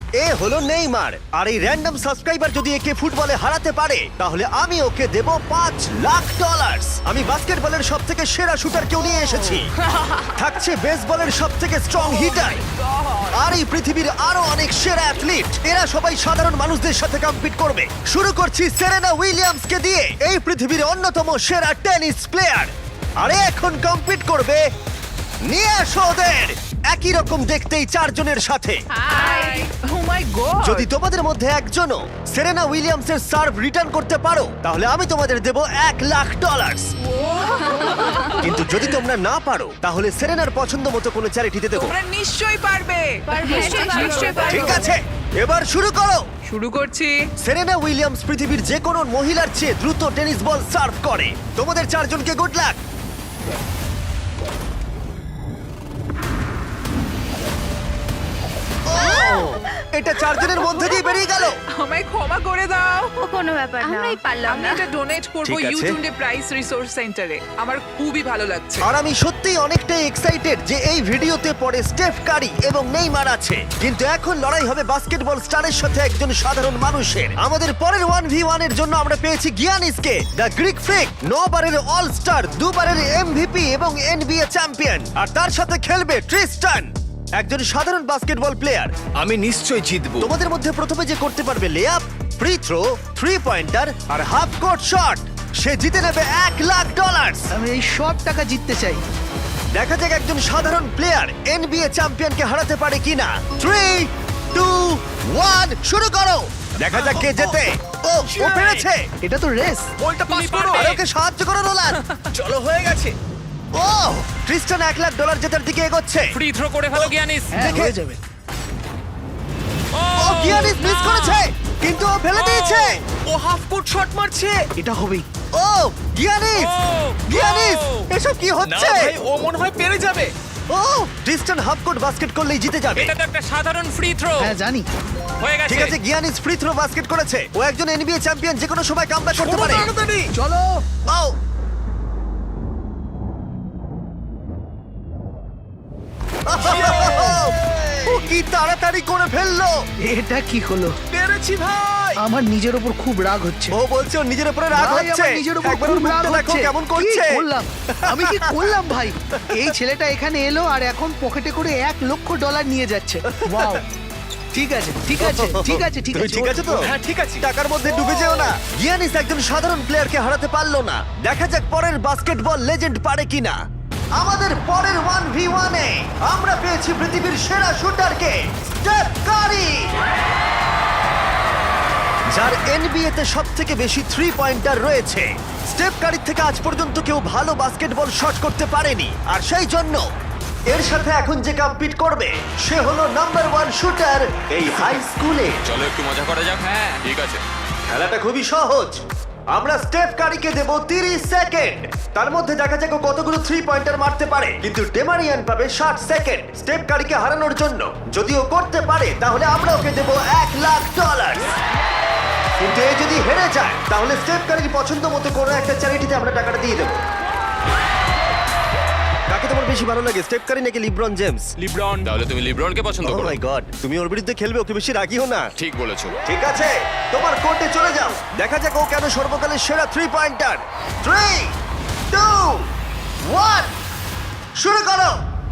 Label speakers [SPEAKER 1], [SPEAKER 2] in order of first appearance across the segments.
[SPEAKER 1] এ হলো নেইমার, আর এই random subscriber যদি একে ফুটবলে হারাতে পারে তাহলে আমি ওকে দেব $5,00,000। আমি বাস্কেটবলের সব থেকে সেরা শুটার কেউ নিয়ে এসেছি, থাকছে বেসবলের সব থেকে স্ট্রং হিটার, আর এই পৃথিবীর আরো অনেক সেরা অ্যাথলিট। এরা সবাই সাধারণ মানুষদের সাথে কম্পিট করবে। শুরু করছি সেরেনা উইলিয়ামসকে দিয়ে, এই পৃথিবীর অন্যতম সেরা টেনিস প্লেয়ার। আরে এখন কম্পিট করবে, নিয়ে আসো ওদের। একই রকম দেখতেই চারজনের সাথে।
[SPEAKER 2] হাই ও মাই গড
[SPEAKER 1] যদি তোমাদের মধ্যে একজনও সেরেনা উইলিয়ামসের সার্ভ রিটার্ন করতে পারো তাহলে আমি তোমাদের দেব $1,00,000। কিন্তু যদি তোমরা না পারো তাহলে সেরেনার পছন্দ মতো কোনো চ্যারিটিতে দেবো।
[SPEAKER 2] তোমরা নিশ্চয়ই পারবে
[SPEAKER 3] নিশ্চয়ই পারবো।
[SPEAKER 1] ঠিক আছে, এবার শুরু করো।
[SPEAKER 2] শুরু করছি
[SPEAKER 1] সেরেনা উইলিয়ামস পৃথিবীর যে কোনো মহিলার চেয়ে দ্রুত টেনিস বল সার্ভ করে। তোমাদের চারজনকে গুড লাক। এটা চারজনের মধ্যে দিয়ে বেরিয়ে গেল।
[SPEAKER 2] আমায় ক্ষমা করে দাও
[SPEAKER 3] ও কোনো ব্যাপার না
[SPEAKER 4] আমরাই পারলাম
[SPEAKER 2] আমি
[SPEAKER 4] না।
[SPEAKER 2] এটা ডোনেট করব
[SPEAKER 1] ঠিক আছে।
[SPEAKER 2] ইউটিউবে প্রাইস রিসোর্স সেন্টারে। আমার খুবই ভালো লাগছে।
[SPEAKER 1] আর আমি সত্যিই অনেকটাই এক্সাইটেড যে এই ভিডিওতে পরে স্টেফ কারি এবং নেইমার আছে, কিন্তু এখন লড়াই হবে বাস্কেটবল স্টারের সাথে একজন সাধারণ মানুষের। আমাদের পরের 1v1 এর জন্য আমরা পেয়েছি গিয়ানিসকে, দ্য গ্রিক ফ্রিক, 9 বারের অল স্টার, 2 বারের এমভিপি এবং এনবিএ চ্যাম্পিয়ন। আর তার সাথে খেলবে ট্রিস্টান, একজন সাধারণ বাস্কেটবল প্লেয়ার।
[SPEAKER 5] আমি নিশ্চয়ই জিতবো।
[SPEAKER 1] তোমাদের মধ্যে প্রথমে যে করতে পারবে লেআপ, ফ্রি থ্রো, 3 পয়েন্টার আর হাফ কোর্ট শট, সে জিতে নেবে $1,00,000।
[SPEAKER 6] আমি এই সব টাকা জিততে চাই।
[SPEAKER 1] দেখা যাক একজন সাধারণ প্লেয়ার এনবিএ চ্যাম্পিয়নকে হারাতে পারে কিনা। 3, 2, 1 শুরু করো। দেখা যাক কে জেতে। ও পেরেছে।
[SPEAKER 6] এটা তো রেস।
[SPEAKER 5] বলটা পাস করো।
[SPEAKER 1] আর ওকে সাহায্য করো নোলান।
[SPEAKER 5] চলো, হয়ে গেছে।
[SPEAKER 1] ও ক্রিস্টান $1,00,000 জেতার দিকে এগোচ্ছে।
[SPEAKER 7] ফ্রি থ্রো করে ফেলো গিয়ানিস।
[SPEAKER 6] হ্যাঁ
[SPEAKER 1] দেখে-
[SPEAKER 6] হয়ে যাবে।
[SPEAKER 1] ও গিয়ানিস মিস করেছে, কিন্তু ও ফেলে দিয়েছে।
[SPEAKER 5] ও হাফ কোর্ট শট মারছে।
[SPEAKER 6] এটা হবেই।
[SPEAKER 1] ও গিয়ানিস, গিয়ানিস এসব কি
[SPEAKER 5] না
[SPEAKER 1] হচ্ছে?
[SPEAKER 5] ভাই, ও মনে হয় পেরে যাবে।
[SPEAKER 1] ও ক্রিস্টান হাফ কোর্ট বাস্কেট করলেই জিতে যাবে।
[SPEAKER 7] এটা তো একটা সাধারণ ফ্রি থ্রো।
[SPEAKER 6] হ্যাঁ জানি।
[SPEAKER 7] হয়ে গেছে।
[SPEAKER 1] ঠিক আছে, গিয়ানিস ফ্রি থ্রো বাস্কেট করেছে। ও একজন এনবিএ চ্যাম্পিয়ন, যে কোনো সময় কামব্যাক করতে পারে।
[SPEAKER 5] তাড়াতাড়ি।
[SPEAKER 6] চলো।
[SPEAKER 1] ও ও কি তাড়াতাড়ি করে ফেললো।
[SPEAKER 6] এটা কি হলো?
[SPEAKER 5] পেরেছি ভাই।
[SPEAKER 6] আমার নিজের উপর খুব রাগ হচ্ছে।
[SPEAKER 1] ও বলছে ওর নিজের উপরে রাগ
[SPEAKER 6] ভাই,
[SPEAKER 1] হচ্ছে।
[SPEAKER 6] আমার নিজের উপর
[SPEAKER 1] একবার
[SPEAKER 6] খুব
[SPEAKER 1] ওর
[SPEAKER 6] রাগ
[SPEAKER 1] মুখটা দেখো
[SPEAKER 6] হচ্ছে।
[SPEAKER 1] কেমন করছে।
[SPEAKER 6] কি করলাম? আমি কি করলাম ভাই? এই ছেলেটা এখানে এলো আর এখন পকেটে করে $1,00,000 নিয়ে যাচ্ছে। ওয়াও। ঠিক আছে ঠিক আছে ঠিক আছে ঠিক
[SPEAKER 1] তুমি
[SPEAKER 6] আছে।
[SPEAKER 1] ঠিক আছে তো?
[SPEAKER 5] হ্যাঁ, ঠিক আছে।
[SPEAKER 1] টাকার মধ্যে ডুবে যেও না। গিয়ানিস একজন সাধারণ প্লেয়ারকে হারাতে পারলো না। দেখা যাক পরের বাস্কেটবল লেজেন্ড পারে কিনা। আমাদের পরের 1v1 এ আমরা পেয়েছি পৃথিবীর সেরা শুটারকে, স্টেফ কারি, যার এনবিএ তে সবথেকে বেশি 3 পয়েন্টার রয়েছে। স্টেফ কারির থেকে আজ পর্যন্ত কেউ ভালো বাস্কেটবল শট করতে পারেনি, আর সেই জন্য এর সাথে এখন যে কম্পিট করবে সে হলো নাম্বার 1 শুটার এই হাই স্কুলে।
[SPEAKER 7] চলো একটু মজা করা যাক। হ্যাঁ ঠিক আছে।
[SPEAKER 1] খেলাটা খুবই সহজ। আমরা স্টেফ কারিকে দেব 30 সেকেন্ড। তার মধ্যে দেখা যাক ও কতগুলো 3 পয়েন্টার মারতে পারে, কিন্তু ডেমারিয়ান পাবে 60 সেকেন্ড স্টেফ কারিকে হারানোর জন্য। যদি ও করতে পারে তাহলে আমরা ওকে দেব $1,00,000। কিন্তু এ যদি হেরে যায় তাহলে স্টেফ কারির পছন্দ মতো কোনো একটা চ্যারিটিতে আমরা টাকাটা দিয়ে দেবো। কাকে তোমার বেশি ভালো লাগে, স্টেফ কারি নাকি লিব্রন জেমস?
[SPEAKER 7] লিব্রন। তাহলে তুমি লিব্রনকে পছন্দ
[SPEAKER 1] ও
[SPEAKER 7] করো।
[SPEAKER 1] মাই গড, তুমি ওর বিরুদ্ধে খেলবে, ওকে বেশি রাগিও না।
[SPEAKER 7] ঠিক বলেছো।
[SPEAKER 1] ঠিক আছে, তোমার কোর্টে চলে যাও। দেখা যাক ও কেন সর্বকালের সেরা 3 পয়েন্টার। 3, 2, 1 শুরু করো।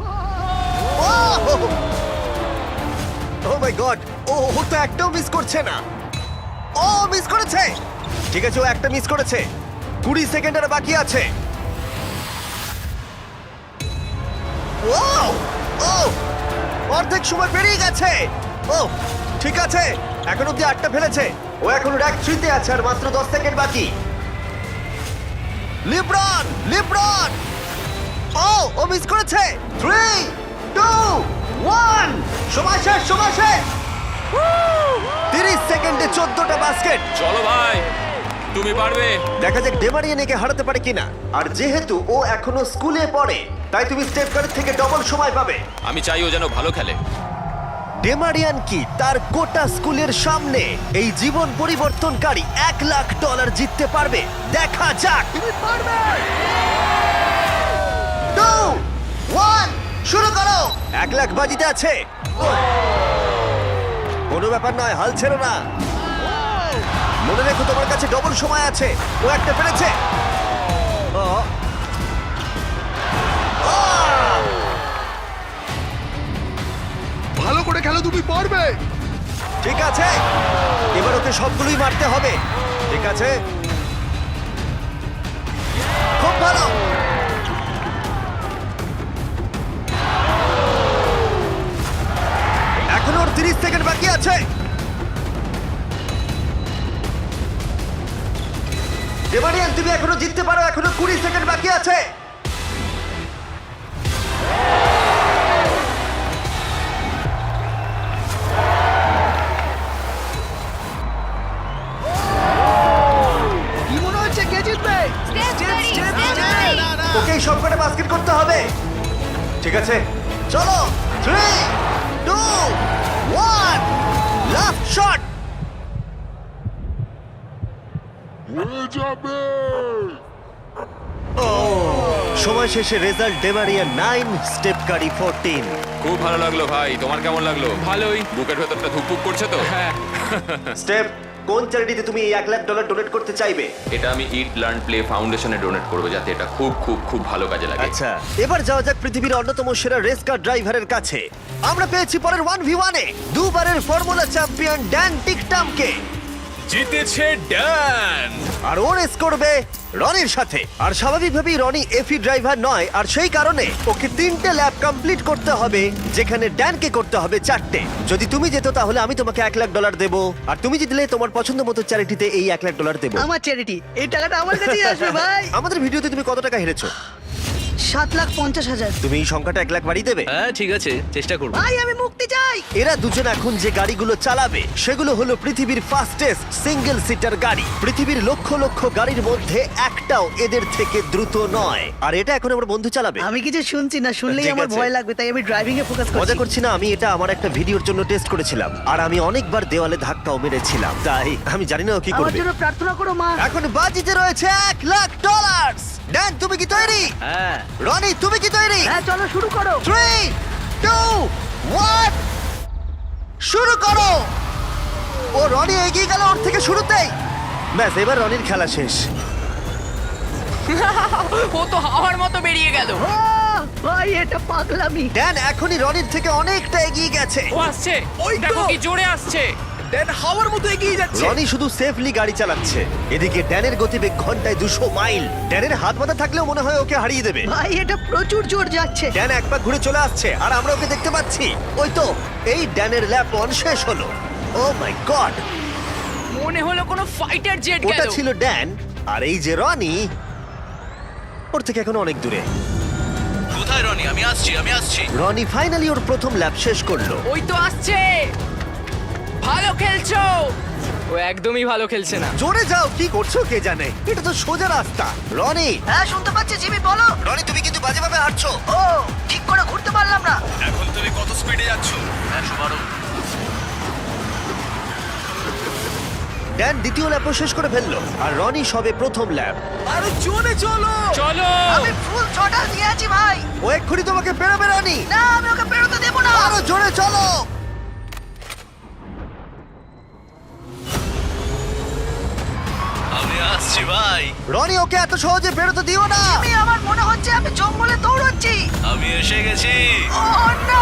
[SPEAKER 1] ও মাই গড, ও তো একটাও মিস করছে না। ও মিস করেছে। ঠিক আছে, ও একটা মিস করেছে। 20 সেকেন্ড আর বাকি আছে। ও ও অর্ধেক সময় পেরিয়ে গেছে। ও ঠিক আছে, এখন অব্দি 8টা ফেলেছে। ও এখন র্যাঙ্ক 3 তে আছে আর মাত্র 10 সেকেন্ড বাকি। লিব্রন, লিব্রন, ও মিস করেছে। 3, 2, 1 সময় শেষ, সময় শেষ। 30 সেকেন্ডে 14টা বাস্কেট।
[SPEAKER 7] চলো ভাই, তুমি পারবে।
[SPEAKER 1] দেখা যাক ডেমারিয়ান একে হারাতে পারে কিনা। আর যেহেতু ও এখনো স্কুলে পড়ে তাই তুমি স্টেপ কারের থেকে ডবল সময় পাবে।
[SPEAKER 7] আমি চাই ও যেন ভালো খেলে।
[SPEAKER 1] ডেমারিয়ান কি তার গোটা স্কুলের সামনে এই জীবন পরিবর্তনকারী $1,00,000 জিততে পারবে? দেখা যাক। 2, 1 শুরু করো। $1,00,000 বাজিতে আছে। ও কোনো ব্যাপার নয়, হাল ছেড়ো না। মনে রেখো তোমার কাছে ডবল সময় আছে। ও একটা পেরেছে। ও। আহ!
[SPEAKER 6] ভালো করে খেলো, তুমি পারবে।
[SPEAKER 1] ঠিক আছে, এবার ওকে সবগুলোই মারতে হবে। ঠিক আছে, খুব ভালো। এখনো ওর 30 সেকেন্ড বাকি আছে। ডেমারিয়ান, তুমি এখনো জিততে পারো, এখনো 20 সেকেন্ড বাকি আছে।
[SPEAKER 6] কি মনে হচ্ছে কে জিতবে?
[SPEAKER 1] ওকে সব কটা বাস্কেট করতে হবে। ঠিক আছে, চলো। 3, 2, 1, লাস্ট শট। সময় শেষে রেজাল্ট ডেমারিয়ান 9, স্টেপ কারি 14।
[SPEAKER 7] খুব ভালো লাগলো ভাই, তোমার কেমন লাগলো? ভালোই। বুকের ভেতরটা ধুকপুক করছে তো? হ্যাঁ।
[SPEAKER 1] স্টেপ, কোন চ্যারিটিতে তুমি এই $1,00,000 ডোনেট করতে চাইবে?
[SPEAKER 7] এটা আমি ইট লার্ন প্লে ফাউন্ডেশনে ডোনেট করবো, যাতে এটা খুব খুব খুব ভালো কাজে লাগে।
[SPEAKER 1] আচ্ছা, এবার যাওয়া যাক পৃথিবীর অন্যতম সেরা রেস কার ড্রাইভারের কাছে। আমরা পেয়েছি পরের 1v1 এ দুবারের ফর্মুলা চ্যাম্পিয়ন ড্যান টিকটামকে।
[SPEAKER 5] জিতেছে ড্যান।
[SPEAKER 1] আর ও রেস করবে রনির সাথে। আর স্বাভাবিকভাবেই রনি এফি ড্রাইভার নয়, আর সেই কারণে ওকে 3টে ল্যাব কমপ্লিট করতে হবে, যেখানে ড্যানকে করতে হবে 4টে। যদি তুমি যেত তাহলে আমি তোমাকে $1,00,000 দেবো, আর তুমি জিতলে তোমার পছন্দ মতো চ্যারিটিতে এই $1,00,000 দেবো।
[SPEAKER 6] আমার চ্যারিটি, এই টাকাটা আমার কাছেই আসবে ভাই।
[SPEAKER 1] আমাদের ভিডিওতে তুমি কত টাকা হেরেছো?
[SPEAKER 6] 7,50,000।
[SPEAKER 1] তুমি এই সংখ্যাটা 1,00,000 বাড়িয়ে দেবে?
[SPEAKER 5] হ্যাঁ ঠিক আছে, চেষ্টা করব।
[SPEAKER 6] ভাই আমি মুক্তি চাই।
[SPEAKER 1] এরা দুজন এখন যে গাড়িগুলো চালাবে সেগুলো হলো পৃথিবীর ফাস্টেস্ট সিঙ্গেল সিটার গাড়ি। পৃথিবীর লক্ষ লক্ষ গাড়ির মধ্যে একটাও এদের থেকে দ্রুত নয়। আর এটা এখন আমার বন্ধু চালাবে।
[SPEAKER 6] আমি কিছু শুনছি না, শুনলেই
[SPEAKER 1] ঠিক
[SPEAKER 6] আমার
[SPEAKER 1] আছে।
[SPEAKER 6] ভয় লাগবে, তাই আমি ড্রাইভিং এ ফোকাস
[SPEAKER 1] মজা
[SPEAKER 6] করছি।
[SPEAKER 1] করছি না, আমি এটা আমার একটা ভিডিওর জন্য টেস্ট করেছিলাম, আর আমি অনেকবার দেওয়ালে ধাক্কাও মেরেছিলাম, তাই আমি জানি না ও কি
[SPEAKER 6] আমার
[SPEAKER 1] করবে।
[SPEAKER 6] জন্য প্রার্থনা করো মা।
[SPEAKER 1] এখন বাজিতে রয়েছে $1,00,000। ড্যান, তুমি কি তৈরি?
[SPEAKER 5] হ্যাঁ।
[SPEAKER 1] রনি, তুমি কি তৈরি?
[SPEAKER 6] হ্যাঁ চলো শুরু করো।
[SPEAKER 1] 3, 2, 1, শুরু করো। ও রনি এগিয়ে গেল ওর থেকে শুরুতেই। ব্যাস, এবার রনির খেলা শেষ।
[SPEAKER 2] ও তো হাওয়ার মতো বেরিয়ে গেল।
[SPEAKER 6] ভাই এটা পাগলামি।
[SPEAKER 1] ড্যান এখনই রনির থেকে অনেকটা এগিয়ে গেছে।
[SPEAKER 2] ও আসছে,
[SPEAKER 5] ওই তো।
[SPEAKER 2] দেখো কি জোরে আসছে।
[SPEAKER 5] ড্যান হাওয়ার মতো এগিয়ে যাচ্ছে।
[SPEAKER 1] রনি শুধু সেফলি গাড়ি চালাচ্ছে, এদিকে ড্যানের গতিবেগ ঘন্টায় 200 মাইল। ড্যানের হাত বাঁধা থাকলেও মনে হয় ওকে হারিয়ে দেবে।
[SPEAKER 6] ভাই এটা প্রচুর জোর যাচ্ছে।
[SPEAKER 1] ড্যান এক পা ঘুরে চলে আসছে, আর আমরা ওকে দেখতে পাচ্ছি। ওই তো, এই ড্যানের ল্যাপ 1 শেষ হলো। ও মাই গড,
[SPEAKER 2] মনে হলো কোনো ফাইটার জেট
[SPEAKER 1] ওটা
[SPEAKER 2] গেল।
[SPEAKER 1] ছিল ড্যান, আর এই যে রনি, ওর থেকে এখন অনেক দূরে।
[SPEAKER 5] কোথায় রনি? আমি আসছি।
[SPEAKER 1] রনি ফাইনালি ওর প্রথম ল্যাপ শেষ করলো।
[SPEAKER 2] ওই তো আসছে। ভালো খেলছো। ও একদমই ভালো খেলছে না।
[SPEAKER 1] জোরে যাও, কি করছো কে জানে, এটা তো সোজা রাস্তা। রনি,
[SPEAKER 6] হ্যাঁ শুনতে পাচ্ছি জিমি, বলো।
[SPEAKER 1] রনি তুমি কিন্তু বাজেভাবে হাঁটছো।
[SPEAKER 6] ও ঠিক করে ঘুরতে পারলাম না।
[SPEAKER 5] এখন তুমি কত স্পিডে যাচ্ছ? 112।
[SPEAKER 1] ড্যান দ্বিতীয় ল্যাপও শেষ করে ফেললো, আর রনি সবে প্রথম ল্যাপ।
[SPEAKER 5] আরো জোরে চলো।
[SPEAKER 2] চলো।
[SPEAKER 6] আমি ফুল ছটা দিয়ে আছি ভাই।
[SPEAKER 1] ও এক্ষুনি তোমাকে পেরোবে রনি।
[SPEAKER 6] না আমি ওকে বেরোতে দেবো না।
[SPEAKER 1] আরো জোরে চলো।
[SPEAKER 5] আমি আসছি ভাই।
[SPEAKER 1] রনি ওকে এত সহজে বেরোতে দিও না।
[SPEAKER 6] আমার মনে হচ্ছে আমি জঙ্গলে দৌড়চ্ছি।
[SPEAKER 5] আমি এসে গেছি।
[SPEAKER 6] ও না।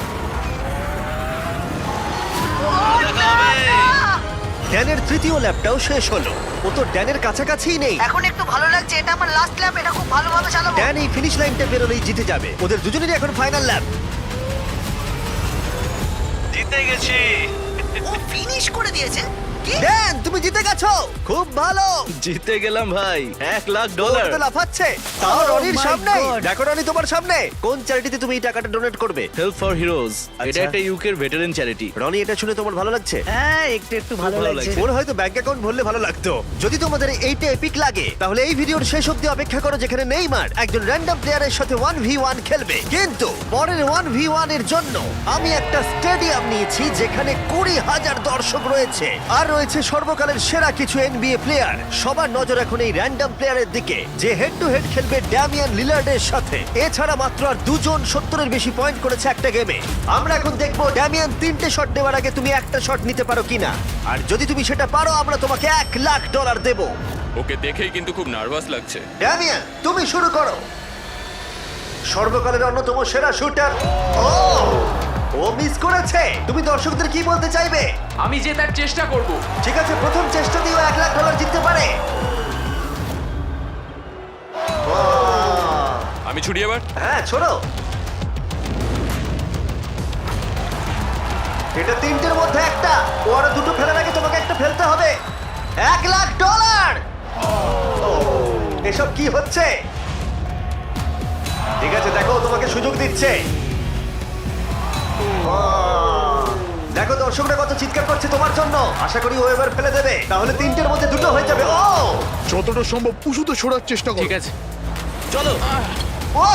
[SPEAKER 6] ও
[SPEAKER 5] দেখা
[SPEAKER 6] না,
[SPEAKER 5] হবে।
[SPEAKER 6] না।
[SPEAKER 1] ড্যানের তৃতীয় ল্যাপটাও শেষ হলো। ও তো ড্যানের কাছাকাছিই নেই।
[SPEAKER 6] এখন একটু ভালো লাগছে, এটা আমার লাস্ট ল্যাপ, এটা খুব ভালোভাবে চালাবো।
[SPEAKER 1] ড্যান এই ফিনিশ লাইনটা পেরোলেই জিতে যাবে। ওদের দুজনেরই এখন ফাইনাল ল্যাপ।
[SPEAKER 5] জিতে গেছি।
[SPEAKER 6] ও ফিনিশ করে দিয়েছে। কি?
[SPEAKER 1] ড্যান তুমি জিতে গেছো, খুব ভালো।
[SPEAKER 5] জিতে গেলাম ভাই, $1,00,000।
[SPEAKER 1] ওর তো লাফাচ্ছে, তাও
[SPEAKER 6] Oh
[SPEAKER 1] রনির
[SPEAKER 6] my
[SPEAKER 1] সামনে।
[SPEAKER 6] God!
[SPEAKER 1] দেখো রনি তোমার সামনে। কোন চ্যারিটিতে তুমি এই টাকাটা ডোনেট করবে?
[SPEAKER 5] Help for heroes.
[SPEAKER 1] আচ্ছা।
[SPEAKER 5] এটা একটা ইউকের ভেটারেন চ্যারিটি।
[SPEAKER 1] রনি, এটা শুনে তোমার ভালো লাগছে?
[SPEAKER 6] হ্যাঁ একটু একটু ভালো
[SPEAKER 5] ভালো
[SPEAKER 6] লাগছে।
[SPEAKER 5] লাগছে।
[SPEAKER 1] ওর হয়তো ব্যাংক অ্যাকাউন্ট ভরলে ভালো লাগতো। যদি তোমাদের এইটা এপিক লাগে তাহলে এই ভিডিওর শেষ অবধি অপেক্ষা করো, যেখানে নেইমার একজন র্যান্ডম প্লেয়ারের সাথে 1v1 খেলবে। কিন্তু পরের 1v1 এর জন্য আমি একটা স্টেডিয়াম নিয়েছি যেখানে 3,000 দর্শক রয়েছে, আর রয়েছে সর্বকালের সেরা কিছু NBA প্লেয়ার। সবার নজর এখন এই র্যান্ডম প্লেয়ারের দিকে, যে হেড টু হেড খেলবে ড্যামিয়ান লিলার্ডের সাথে। এছাড়া মাত্র আর 2 জন 70-এর বেশি পয়েন্ট করেছে একটা গেমে। আমরা এখন দেখবো ড্যামিয়ান 3টে শট নেওয়ার আগে তুমি একটা শট নিতে পারো কিনা, আর যদি তুমি সেটা পারো আমরা তোমাকে $1,00,000 দেবো।
[SPEAKER 4] ওকে দেখেই কিন্তু খুব নার্ভাস লাগছে।
[SPEAKER 1] ড্যামিয়ান, তুমি শুরু করো। সর্বকালের অন্যতম সেরা শুটার। ও মিস করেছে। তুমি দর্শকদের কি বলতে চাইবে?
[SPEAKER 2] আমি জেতার চেষ্টা করব।
[SPEAKER 1] ঠিক আছে, প্রথম চেষ্টা দিয়েও $1,00,000 জিততে পারে।
[SPEAKER 4] আমি ছুটি এবার।
[SPEAKER 1] হ্যাঁ, ছোড়ো। এটা 3টের মধ্যে একটা। ও আরো 2টো ফেলার আগে তোমাকে একটা ফেলতে হবে। $1,00,000। এসব কি হচ্ছে? ঠিক আছে, দেখো তোমাকে সুযোগ দিচ্ছে। দেখো দর্শকরা কত চিৎকার করছে তোমার জন্য। আশা করি ও এবার ফেলে দেবে, তাহলে 3টের মধ্যে 2টো হয়ে যাবে।
[SPEAKER 8] যতটা সম্ভব উঁচুতে সরার চেষ্টা করো।
[SPEAKER 2] ঠিক আছে।
[SPEAKER 5] চলো।
[SPEAKER 1] ও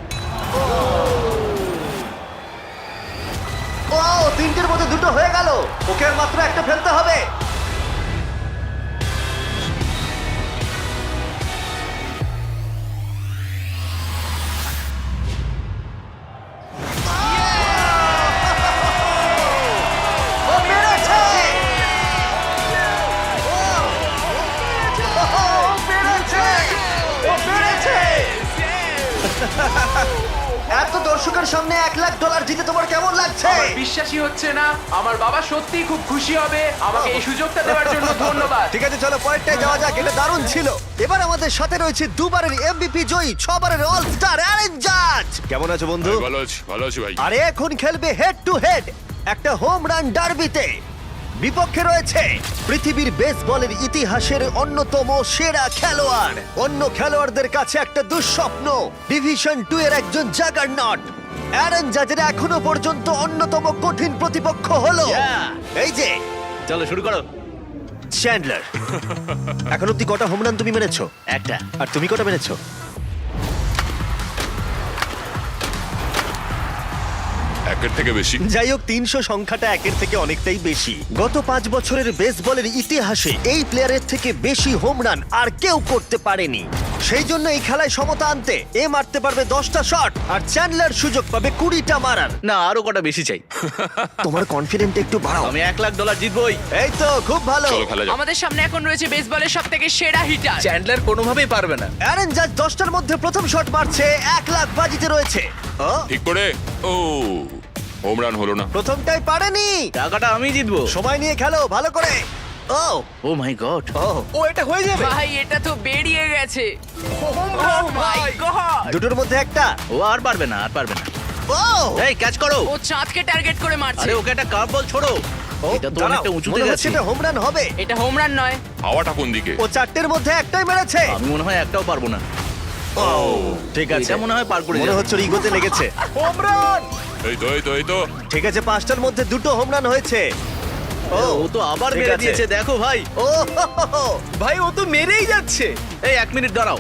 [SPEAKER 1] 3টের মধ্যে 2টো হয়ে গেল। ওকে আর মাত্র একটা ফেলতে হবে। ও পেরেছে! ও পেরেছে! ও পেরেছে! এত দর্শকের সামনে $1,00,000 জিতে তোমার কেমন লাগছে?
[SPEAKER 2] বিশ্বাসই হচ্ছে না। আমার বাবা সত্যিই খুব খুশি হবে। আমাকে এই সুযোগটা দেওয়ার জন্য ধন্যবাদ।
[SPEAKER 1] ঠিক আছে, চলো পরেরটায় যাওয়া যাক। এটা দারুণ ছিল। এবার আমাদের সাথে রয়েছে 2বারের MVP জয়ী, 6বারের অল স্টার অ্যারেন জাজ। কেমন আছো বন্ধু?
[SPEAKER 4] ভালো আছি ভাই।
[SPEAKER 1] আরে এখন খেলবে হেড টু হেড একটা হোম রান ডার্বিতে। বিপক্ষে রয়েছে পৃথিবীর বেসবলের ইতিহাসের অন্যতম সেরা খেলোয়াড়। অন্য খেলোয়াড়দের কাছে একটা দুঃস্বপ্ন, ডিভিশন 2 এর একজন জাগারনট। অ্যারন জাজের এখনো পর্যন্ত অন্যতম কঠিন প্রতিপক্ষ হলো এই যে
[SPEAKER 5] চলো শুরু করো।
[SPEAKER 1] চ্যান্ডলার। এখন অব্দি কটা হোম রান তুমি মেরেছো?
[SPEAKER 5] একটা।
[SPEAKER 1] আর তুমি কটা মেরেছো?
[SPEAKER 4] একের থেকে বেশি।
[SPEAKER 1] যাই হোক, 300 সংখ্যাটা একের থেকে অনেকটাই বেশি। গত 5 বছরের বেসবলের ইতিহাসে এই প্লেয়ারের থেকে বেশি হোম রান আর কেউ করতে পারেনি। সেই জন্য এই খেলায় সমতা আনতে এ মারতে পারবে 10টা শট, আর চ্যান্ডলার সুযোগ পাবে 20টা মারার।
[SPEAKER 5] না, আরো কটা বেশি চাই।
[SPEAKER 1] তোমার কনফিডেন্ট একটু বাড়াও।
[SPEAKER 5] আমি $1,00,000 জিতবই।
[SPEAKER 1] এই তো, খুব ভালো।
[SPEAKER 4] চলো খেলা যাক।
[SPEAKER 2] আমাদের সামনে এখন রয়েছে বেসবলের সবথেকে সেরা হিটার।
[SPEAKER 5] চ্যান্ডলার কোনোভাবেই পারবে না।
[SPEAKER 1] অ্যারন জাজ 10টার মধ্যে প্রথম শট মারছে। $1,00,000 বাজিতে রয়েছে। ও,
[SPEAKER 4] ঠিক করে। ও হোম রান হলো না।
[SPEAKER 1] প্রথমটাই পারেনি।
[SPEAKER 5] টাকাটা আমি জিতবো।
[SPEAKER 1] সময় নিয়ে খেলো ভালো করে। ও
[SPEAKER 5] ও মাই গড।
[SPEAKER 1] ও, এটা হয়ে যাবে।
[SPEAKER 2] ভাই এটা তো বেরিয়ে গেছে। Oh my god.
[SPEAKER 1] দুটোর মধ্যে একটা।
[SPEAKER 5] ও আর পারবে না।
[SPEAKER 1] ও
[SPEAKER 5] এই ক্যাচ করো।
[SPEAKER 2] ও চাঁদকে টার্গেট করে মারছে।
[SPEAKER 5] আরে ওকে একটা কার্ভ বল ছোড়ো।
[SPEAKER 1] ও,
[SPEAKER 5] এটা তো
[SPEAKER 1] দাঁড়াও,
[SPEAKER 5] অনেকটা উঁচুতে
[SPEAKER 1] মনে হচ্ছে
[SPEAKER 5] গেছে।
[SPEAKER 1] এটা হোম রান হবে।
[SPEAKER 2] এটা হোম রান নয়।
[SPEAKER 4] হাওয়াটা কোন দিকে?
[SPEAKER 1] ও 4টের মধ্যে একটাই মেরেছে।
[SPEAKER 5] আমি মনে হয় একটাও পারবো না।
[SPEAKER 1] ঠিক আছে,
[SPEAKER 5] এটা মনে হয় পার করে
[SPEAKER 1] মনে
[SPEAKER 5] যাবে।
[SPEAKER 1] হচ্ছে ওর ইগোতে লেগেছে। Home run.
[SPEAKER 4] এই তো
[SPEAKER 1] ঠিক আছে, 5টার মধ্যে 2টো হোম রান হয়েছে।
[SPEAKER 5] ও তো আবার
[SPEAKER 1] ঠিক
[SPEAKER 5] মেরে
[SPEAKER 1] আছে।
[SPEAKER 5] দিয়েছে, দেখো ভাই।
[SPEAKER 1] ও হো, হো, হো।
[SPEAKER 5] ভাই ও তো মেরেই যাচ্ছে। এই 1 মিনিট দাঁড়াও,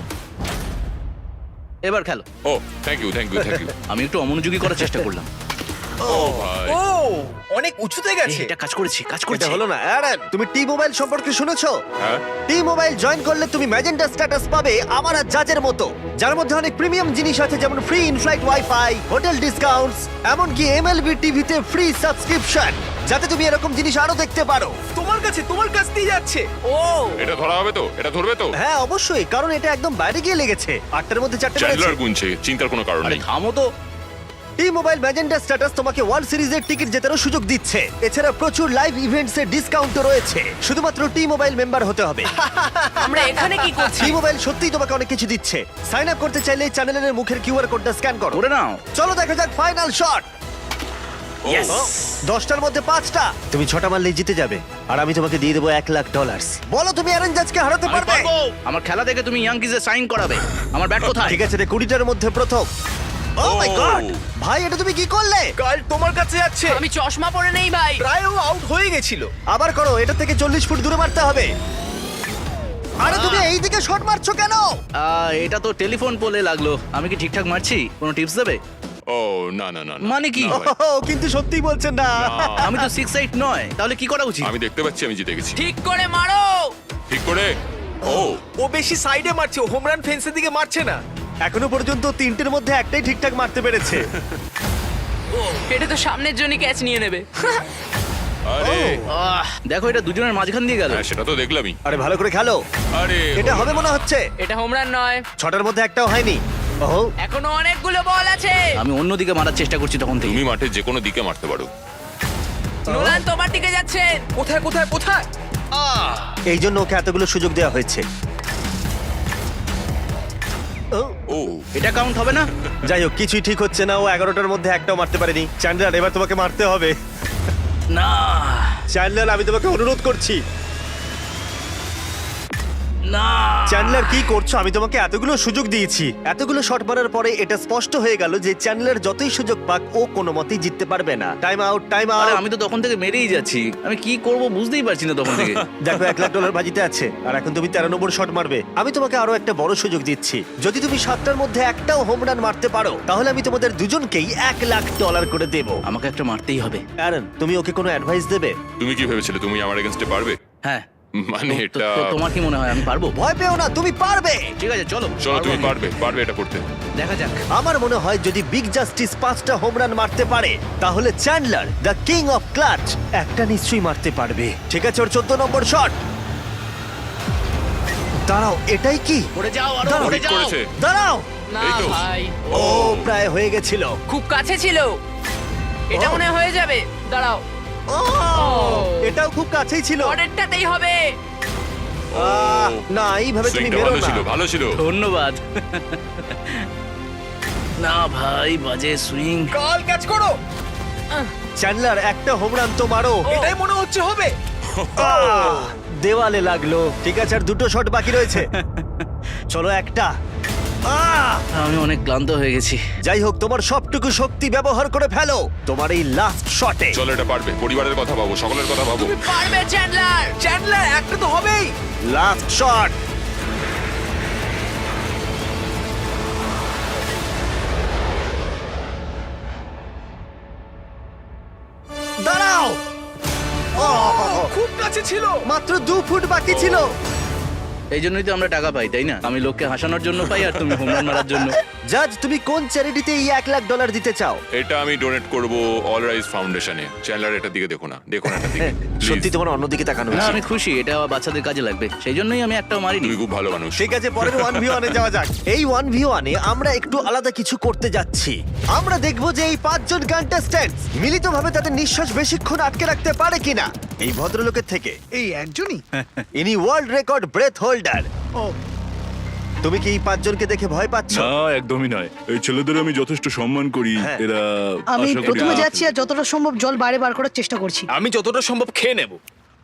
[SPEAKER 5] এবার খেলো।
[SPEAKER 4] Oh thank you.
[SPEAKER 5] আমি একটু অমনোযোগী করার চেষ্টা করলাম।
[SPEAKER 4] ও ভাই।
[SPEAKER 5] অনেক উঁচুতে গেছে। এটা কাজ করেছি।
[SPEAKER 1] এটা হলো না। অ্যারন, তুমি টি মোবাইল সম্পর্কে শুনেছো?
[SPEAKER 4] হ্যাঁ।
[SPEAKER 1] টি মোবাইল জয়েন করলে তুমি ম্যাজেন্টা স্ট্যাটাস পাবে আমার আর জাজের মতো, যার মধ্যে অনেক প্রিমিয়াম জিনিস আছে, যেমন free inflight wifi, hotel discounts, এমনকি এমএলবি টিভিতে ফ্রি সাবস্ক্রিপশন, যাতে তুমি এরকম জিনিস আরো দেখতে পারো।
[SPEAKER 5] তোমার কাছ দিয়ে যাচ্ছে।
[SPEAKER 2] ও
[SPEAKER 4] এটা ধরা হবে তো? এটা ধরবে তো?
[SPEAKER 1] হ্যাঁ অবশ্যই, কারণ এটা একদম বাইরে গিয়ে লেগেছে। 8টার মধ্যে 4টে মেরেছে।
[SPEAKER 4] চ্যান্ডলার গুনছে, চিন্তার কোনো কারণ
[SPEAKER 5] আরে
[SPEAKER 4] নেই।
[SPEAKER 5] থামো তো।
[SPEAKER 1] টি মোবাইল ম্যাজেন্টা স্ট্যাটাস তোমাকে ওয়ার্ল্ড সিরিজের টিকিট জেতারও সুযোগ দিচ্ছে। এছাড়া প্রচুর লাইভ ইভেন্টস এর ডিসকাউন্টও রয়েছে। শুধুমাত্র টি মোবাইল মেম্বার হতে হবে।
[SPEAKER 2] আমরা এখানে কি করছি?
[SPEAKER 1] টি মোবাইল সত্যিই তোমাকে অনেক কিছু দিচ্ছে। সাইন আপ করতে চাইলে চ্যানেলের মুখের কিউআর কোডটা স্ক্যান করো।
[SPEAKER 5] করে নাও।
[SPEAKER 1] চলো দেখা যাক ফাইনাল শট।
[SPEAKER 5] Yes!
[SPEAKER 1] 10টার মধ্যে 5টা। তুমি 6টা মারলেই জিতে যাবে, আর আমি তোমাকে দিয়ে দেবো $1,00,000। বলো তুমি অ্যারন জাজকে হারাতে
[SPEAKER 5] আমি
[SPEAKER 1] পারবে?
[SPEAKER 5] পারবো। আমার খেলা দেখে তুমি ইয়াংকিজে সাইন করাবে। আমার ব্যাট কোথায়?
[SPEAKER 1] ঠিক আছে রে, 20টার মধ্যে প্রথম। ও মাই গড, ভাই এটা তুমি কি করলে?
[SPEAKER 5] কাল তোমার কাছে যাচ্ছে।
[SPEAKER 2] আমি চশমা পরে নেই ভাই।
[SPEAKER 5] প্রায় ও আউট হয়ে গেছিল।
[SPEAKER 1] আবার করো, এটা থেকে 40 ফুট দূরে মারতে হবে। আরে তুমি এই দিকে শট মারছো কেন?
[SPEAKER 5] এটা তো টেলিফোন পোলে লাগলো। আমি কি ঠিকঠাক মারছি? কোনো টিপস দেবে?
[SPEAKER 4] ও না না না না।
[SPEAKER 5] মানে কি?
[SPEAKER 4] না ভাই,
[SPEAKER 1] ও, কিন্তু সত্যিই বলছেন না।
[SPEAKER 5] আমি তো 6-8 নয়, তাহলে কি করা উচিত?
[SPEAKER 4] আমি দেখতে পাচ্ছি আমি জিতে গেছি।
[SPEAKER 2] ঠিক করে মারো।
[SPEAKER 4] ঠিক করে। ও
[SPEAKER 9] ও বেশি সাইডে মারছে, হোম রান ফেন্সের দিকে মারছে না।
[SPEAKER 1] এখনো পর্যন্ত তিনটের মধ্যে একটাই ঠিকঠাক মারতে পেরেছে।
[SPEAKER 2] এটা তো সামনের জন্য ক্যাচ নিয়ে নেবে।
[SPEAKER 4] আরে
[SPEAKER 5] দেখো এটা দুজনের মাঝখান দিয়ে গেল।
[SPEAKER 4] হ্যাঁ সেটা তো দেখলামই।
[SPEAKER 1] আরে ভালো করে খেলো,
[SPEAKER 4] আরে
[SPEAKER 1] এটা হবে মনে হচ্ছে।
[SPEAKER 2] এটা হোম রান নয়,
[SPEAKER 1] ছটার মধ্যে একটাও হয়নি। ওহো,
[SPEAKER 2] এখনো অনেকগুলো বল আছে।
[SPEAKER 5] আমি অন্যদিকে মারার চেষ্টা করছি তখন থেকে।
[SPEAKER 4] তুমি মাঠে যে কোনো দিকে মারতে পারো।
[SPEAKER 2] নোলান তোমার দিকে যাচ্ছে।
[SPEAKER 9] কোথায় কোথায় কোথায়?
[SPEAKER 1] এই জন্য ওকে এতগুলো সুযোগ দেওয়া হয়েছে। ও,
[SPEAKER 4] ও
[SPEAKER 5] এটা কাউন্ট হবে না?
[SPEAKER 1] যাই হোক, কিছুই ঠিক হচ্ছে না। ও 11টার মধ্যে একটাও মারতে পারেনি। চ্যান্ডলার, এবার তোমাকে মারতে হবে।
[SPEAKER 5] না
[SPEAKER 1] চ্যান্ডলার, আমি তোমাকে অনুরোধ করছি।
[SPEAKER 5] না
[SPEAKER 1] চ্যান্ডলার, কি করছো? আমি তোমাকে এতগুলো সুযোগ দিয়েছি। এতগুলো শট মারার পরে এটা স্পষ্ট হয়ে গেল যে চ্যান্ডলার যতই সুযোগ পাক ও কোনো মতেই জিততে পারবে না। টাইম আউট, টাইম
[SPEAKER 5] আরে
[SPEAKER 1] আউট।
[SPEAKER 5] আমি তো তখন থেকে মেরেই যাচ্ছি, আমি কি করব বুঝতেই পারছি না তখন থেকে।
[SPEAKER 1] দেখো, $1,00,000 বাজিতে আছে আর এখন তুমি 13 নম্বর শট মারবে। আমি তোমাকে আরো একটা বড় সুযোগ দিচ্ছি। যদি তুমি 7টার মধ্যে একটাও হোম রান মারতে পারো, তাহলে আমি তোমাদের দুজনকেই $1,00,000 করে দেবো।
[SPEAKER 5] আমাকে একটা মারতেই হবে।
[SPEAKER 1] অ্যারন, তুমি ওকে কোনো অ্যাডভাইস দেবে?
[SPEAKER 4] তুমি কি ভেবেছিলে তুমি আমার এগেইনস্টে পারবে?
[SPEAKER 5] হ্যাঁ
[SPEAKER 4] মানে
[SPEAKER 5] তো-
[SPEAKER 4] এটা
[SPEAKER 5] তো তোমার কি মনে হয় আমি পারবো?
[SPEAKER 1] ভয় পেও না, তুমি পারবে।
[SPEAKER 5] ঠিক আছে চলো
[SPEAKER 4] চলো তুমি
[SPEAKER 5] পারবো আমি।
[SPEAKER 4] পারবে এটা করতে।
[SPEAKER 5] দেখা যাক।
[SPEAKER 1] আমার মনে হয় যদি বিগ জাস্টিস 5টা হোম রান মারতে পারে, তাহলে Chandler the king of clutch একটা নিশ্চয়ই মারতে পারবে। ঠিক আছে, ওর 14 নম্বর শট। দাঁড়াও, এটাই কি?
[SPEAKER 5] পড়ে যাও আরো
[SPEAKER 1] দাঁড়াও,
[SPEAKER 5] পড়ে
[SPEAKER 4] ঠিক
[SPEAKER 5] যাও।
[SPEAKER 4] করেছে।
[SPEAKER 1] দাঁড়াও।
[SPEAKER 2] না
[SPEAKER 4] এই তো।
[SPEAKER 2] ভাই,
[SPEAKER 1] ও প্রায় হয়ে গেছিল।
[SPEAKER 2] খুব কাছে ছিল। এটা
[SPEAKER 1] ও।
[SPEAKER 2] মনে হয় হয়ে যাবে। দাঁড়াও,
[SPEAKER 1] ও, এটাও খুব কাছেই ছিল।
[SPEAKER 2] পরেরটাতেই হবে।
[SPEAKER 1] না, এইভাবে তুমি
[SPEAKER 4] সুইংটা
[SPEAKER 1] বেরো
[SPEAKER 4] ভালো
[SPEAKER 1] না।
[SPEAKER 4] ছিল ভালো ছিল।
[SPEAKER 5] ধন্যবাদ। না ভাই, বাজে সুইং।
[SPEAKER 9] কাল ক্যাচ করো।
[SPEAKER 1] চ্যান্ডলার, একটা হোম রান তো মারো।
[SPEAKER 9] এটাই মনে হচ্ছে হবে।
[SPEAKER 1] দেওয়ালে লাগলো। ঠিক আছে, আর 2টো শট বাকি রয়েছে। চলো একটা।
[SPEAKER 5] আমি অনেক ক্লান্ত হয়ে গেছি।
[SPEAKER 1] যাই হোক, তোমার সবটুকু শক্তি ব্যবহার করে ফেলো তোমার এই লাস্ট শটে।
[SPEAKER 4] চলো এটা পারবে। পরিবারের কথা ভাবো, সকলের কথা ভাবো।
[SPEAKER 2] পারবে চ্যান্ডলার।
[SPEAKER 9] চ্যান্ডলার, একটা তো হবেই।
[SPEAKER 1] Last shot. দাঁড়াও।
[SPEAKER 9] খুব কাছে ছিল।
[SPEAKER 1] মাত্র 2 ফুট বাকি ছিল।
[SPEAKER 5] এই জন্যই তো আমরা টাকা পাই, তাই না? আমি লোককে হাসানোর জন্য পাই আর তুমি হোম রান মারার জন্য।
[SPEAKER 1] জাজ, তুমি কোন চ্যারিটিতে এই $1,00,000 দিতে চাও?
[SPEAKER 4] এটা আমি ডোনেট করব অল রাইজ ফাউন্ডেশনে। চ্যান্ডলার এটার দিকে দেখো না, দেখো না এটার দিকে।
[SPEAKER 1] সত্যি
[SPEAKER 4] Please,
[SPEAKER 1] তোমার অন্যদিকে তাকানো
[SPEAKER 5] না
[SPEAKER 1] উচিত।
[SPEAKER 5] আমি খুশি, এটা বাচ্চাদের কাজে লাগবে, সেই জন্যই আমি একটাও মারিনি।
[SPEAKER 4] তুমি খুব ভালো মানুষ।
[SPEAKER 1] ঠিক আছে, পরের 1v1 এ যাওয়া যাক। এই 1v1 এ আমরা একটু আলাদা কিছু করতে যাচ্ছি। আমরা দেখব যে এই 5 জন কন্টেস্ট্যান্টস মিলিতভাবে তাদের নিঃশ্বাস বেশিক্ষণ আটকে রাখতে পারে কিনা। এই ভদ্রলোকের থেকে
[SPEAKER 6] এই একজনই?
[SPEAKER 1] ইনি ওয়ার্ল্ড রেকর্ড ব্রেথ হোল্ডার।
[SPEAKER 6] ও,
[SPEAKER 1] তুমি কি এই 5 জনকে দেখে ভয় পাচ্ছ?
[SPEAKER 8] না একদমই নয়, এই ছেলেদের আমি যথেষ্ট সম্মান করি।
[SPEAKER 1] হ্যাঁ।
[SPEAKER 8] এরা
[SPEAKER 6] আমি
[SPEAKER 8] আশা করি
[SPEAKER 6] প্রথমে যাচ্ছি আর যতটা সম্ভব জল বাইরে বার করার চেষ্টা করছি।
[SPEAKER 9] আমি যতটা সম্ভব খেয়ে নেব।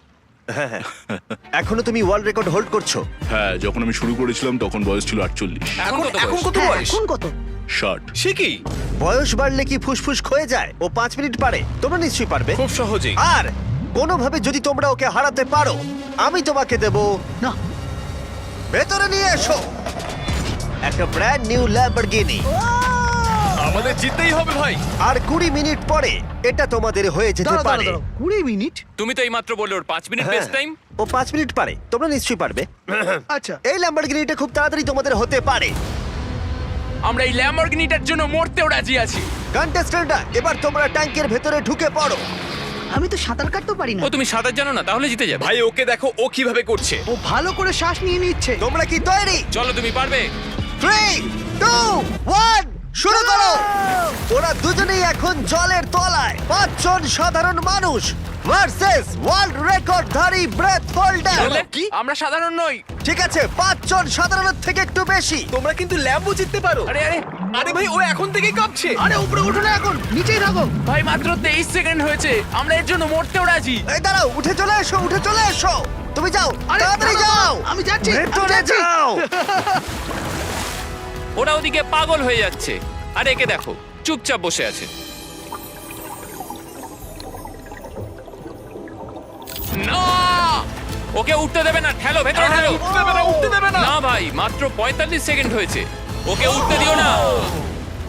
[SPEAKER 1] এখনো তুমি ওয়ার্ল্ড রেকর্ড হোল্ড করছো?
[SPEAKER 8] হ্যাঁ, যখন আমি শুরু করেছিলাম তখন বয়স ছিল 48।
[SPEAKER 9] এখন
[SPEAKER 2] কত
[SPEAKER 9] এখন
[SPEAKER 2] বয়স?
[SPEAKER 9] কত
[SPEAKER 6] হ্যাঁ,
[SPEAKER 9] বয়স?
[SPEAKER 6] এখন কত?
[SPEAKER 8] 60।
[SPEAKER 9] সে কি?
[SPEAKER 1] বয়স বাড়লে কি ফুসফুস ক্ষয়ে যায়? ও 5 মিনিট পারে, তোমরা নিশ্চয়ই পারবে।
[SPEAKER 9] খুব সহজেই।
[SPEAKER 1] আর কোনোভাবে যদি তোমরা ওকে হারাতে পারো, আমি তোমাকে দেব।
[SPEAKER 6] না,
[SPEAKER 1] ভেতরে নিয়ে এসো একটা ব্র্যান্ড নিউ ল্যাম্বরগিনি।
[SPEAKER 9] আমাদের জিততেই হবে ভাই।
[SPEAKER 1] আর 20 মিনিট পরে এটা তোমাদের হয়ে যেতে
[SPEAKER 6] দাঁড়াও,
[SPEAKER 1] পারে।
[SPEAKER 6] দাঁড়াও, 20 মিনিট?
[SPEAKER 2] তুমি তো এইমাত্র বললে ওর 5 মিনিট
[SPEAKER 1] হ্যাঁ,
[SPEAKER 2] বেস্ট টাইম।
[SPEAKER 1] ও 5 মিনিট পারে, তোমরা নিশ্চয়ই পারবে।
[SPEAKER 6] আচ্ছা,
[SPEAKER 1] এই ল্যাম্বরগিনিটা খুব তাড়াতাড়ি তোমাদের হতে পারে।
[SPEAKER 2] আমরা এই ল্যাম্বরগিনিটার জন্য মরতেও রাজি আছি।
[SPEAKER 1] কন্টেস্ট্যান্টরা, এবার তোমরা ট্যাঙ্কের ভেতরে ঢুকে পড়ো।
[SPEAKER 6] আমি তো সাঁতার কাটতে পারি না।
[SPEAKER 2] ও তুমি সাঁতার জানো না, তাহলে জিতে যাবে।
[SPEAKER 9] ভাই ওকে দেখো ও কিভাবে করছে।
[SPEAKER 6] ও ভালো করে শ্বাস নিয়ে নিচ্ছে।
[SPEAKER 1] তোমরা কি তৈরি?
[SPEAKER 2] চলো তুমি পারবে।
[SPEAKER 1] 3, 2, 1, শুরু করো। ওরা দুজনেই এখন জলের তলায়। 5 জন সাধারণ মানুষ ভার্সেস ওয়ার্ল্ড রেকর্ডধারী ব্রেথ হোল্ডার।
[SPEAKER 9] কি?
[SPEAKER 2] আমরা সাধারণ নই।
[SPEAKER 1] ঠিক আছে, 5 জন সাধারণের থেকে একটু বেশি।
[SPEAKER 9] তোমরা কিন্তু ল্যাম্বও জিততে পারো।
[SPEAKER 2] আরে আরে
[SPEAKER 9] আরে ভাই ও এখন থেকেই কাঁপছে।
[SPEAKER 6] আরে উপরে ওঠো না, এখন নিচেই থাকো।
[SPEAKER 2] ভাই, মাত্র 23 সেকেন্ড হয়েছে, আমরা এর জন্য মরতেও রাজি।
[SPEAKER 1] এই দাঁড়াও, উঠে চলে এসো, উঠে চলে এসো। তুমি যাও,
[SPEAKER 6] আরে,
[SPEAKER 1] তাড়াতাড়ি
[SPEAKER 6] দাঁড়াও,
[SPEAKER 1] যাও।
[SPEAKER 6] আমি যাচ্ছি, আমি
[SPEAKER 1] ভেতরে
[SPEAKER 6] যাচ্ছি।
[SPEAKER 1] যাও।
[SPEAKER 2] ওরা ওদিকে পাগল হয়ে যাচ্ছে, আর একে দেখো চুপচাপ বসে আছে। না, ওকে উঠতে দেবে না, ঠেলো ভেতরে ঠেলো।
[SPEAKER 9] উঠতে দেবে না, উঠতে দেবে না।
[SPEAKER 2] না ভাই, মাত্র 45 সেকেন্ড হয়েছে, ওকে উঠতে দিও না।
[SPEAKER 1] দাঁড়াও, দাঁড়াও, দাঁড়াও, দাঁড়াও, দাঁড়াও, দাঁড়াও, দাঁড়াও, দাঁড়াও, দাঁড়াও, দাঁড়াও, দাঁড়াও,